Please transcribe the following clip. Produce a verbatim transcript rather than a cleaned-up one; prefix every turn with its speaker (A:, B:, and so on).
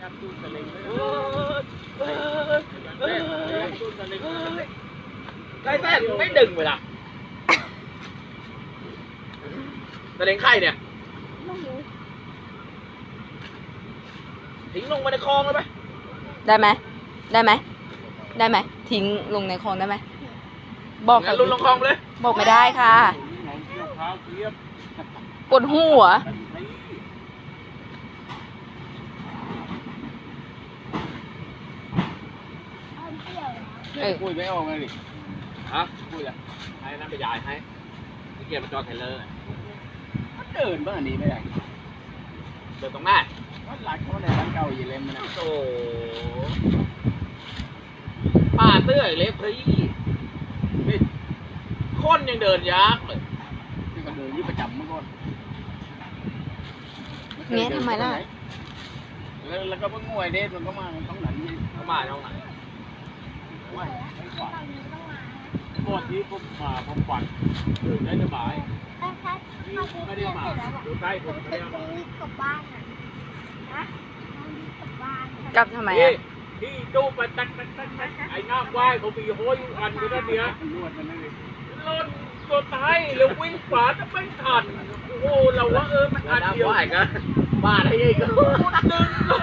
A: ได้แต่ไม่ดึงเวลาตะเลงไข่เนี่ยทิ้งลงไปในคลองเลยไหม
B: ได้ไหมได้ไหมได้ไหมทิ้งลงในคลองได้ไหมบอก
A: งั้นลุนลงคลองเลย
B: บอกไม่ได้ค่ะปวดหัวเออ
C: คุยไม่ออกเลยดิ
A: ฮะพูดเลยให้นั่นไปยายให้ไอ้เกียร์มาจอดไทเลอร์
C: มันเดินบ้านนี้ไม่ได้
A: เดินตรงหน้า
C: มันหลักเขาในร้านเก่าอยู่เล่มนะ
A: โอ้ป่าเตื้อยเล็บพรีนี่คนยังเดินยากเลย
C: ที่ก็เดินยี่ประจำเมื่อก่อน
B: เงี้ยทำไมล่ะ
C: แล้วแล้วก็เพิ่งงวยเด็ดมันก็มาต้องหลังนี่
A: เข้ามาเท่าไหร่
C: ไม่ไม่กว่าก่อนที่ผมมาผมฝันตื่นได้สบายไม่ได้มาดูใกล้ผมไม่ได้มาก
D: ลับบ้านอ่ะนะกลับบ้าน
B: กลับทำไม
A: ที่
B: อ่ะ
A: ที่ตู้ไปตักตักตักตักไอ้น้ำว่ายเขามีห้อยอันอยู่ด้านเนี้ย
C: นวดมันนั่นเอง
A: รถตัวตายแล้ววิ่งฝาจะไม่ทันโอ้เราว่าเออมันอันเดียวก็บ้าได้ยังก็ดึงล